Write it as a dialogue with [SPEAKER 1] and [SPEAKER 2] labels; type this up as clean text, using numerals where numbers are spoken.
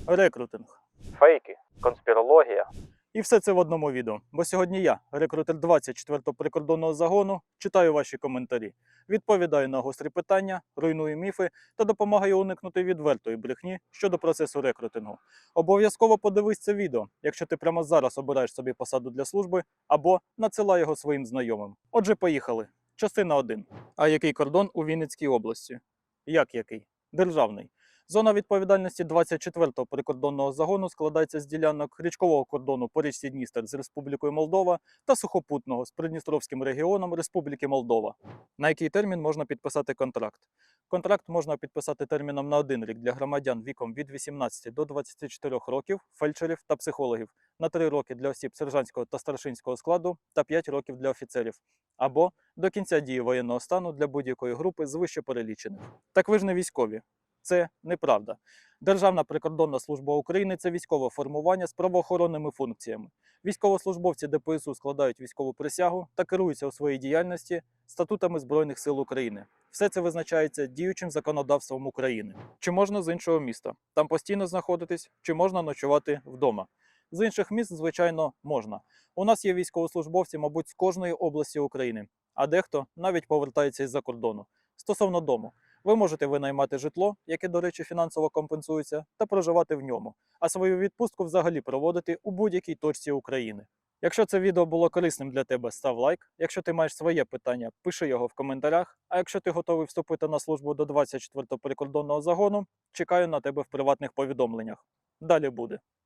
[SPEAKER 1] рекрутинг.
[SPEAKER 2] Фейки, конспірологія.
[SPEAKER 1] І все це в одному відео. Бо сьогодні я, рекрутер 24-го прикордонного загону, читаю ваші коментарі, відповідаю на гострі питання, руйную міфи та допомагаю уникнути відвертої брехні щодо процесу рекрутингу. Обов'язково подивись це відео, якщо ти прямо зараз обираєш собі посаду для служби, або надсилай його своїм знайомим. Отже, поїхали. Частина 1. А який кордон у Вінницькій області? Як який? Державний. Зона відповідальності 24-го прикордонного загону складається з ділянок річкового кордону по річці Дністер з Республікою Молдова та сухопутного з Придністровським регіоном Республіки Молдова. На який термін можна підписати контракт? Контракт можна підписати терміном на 1 рік для громадян віком від 18 до 24 років, фельдшерів та психологів, на 3 роки для осіб сержантського та старшинського складу та 5 років для офіцерів, або до кінця дії воєнного стану для будь-якої групи з вище перелічених. Так ви ж не військові. Це неправда. Державна прикордонна служба України – це військове формування з правоохоронними функціями. Військовослужбовці ДПСУ складають військову присягу та керуються у своїй діяльності статутами Збройних сил України. Все це визначається діючим законодавством України. Чи можна з іншого міста? Там постійно знаходитись, чи можна ночувати вдома? З інших міст, звичайно, можна. У нас є військовослужбовці, мабуть, з кожної області України, а дехто навіть повертається із-за кордону. Стосовно дому. Ви можете винаймати житло, яке, до речі, фінансово компенсується, та проживати в ньому, а свою відпустку взагалі проводити у будь-якій точці України. Якщо це відео було корисним для тебе, став лайк. Якщо ти маєш своє питання, пиши його в коментарях. А якщо ти готовий вступити на службу до 24-го прикордонного загону, чекаю на тебе в приватних повідомленнях. Далі буде.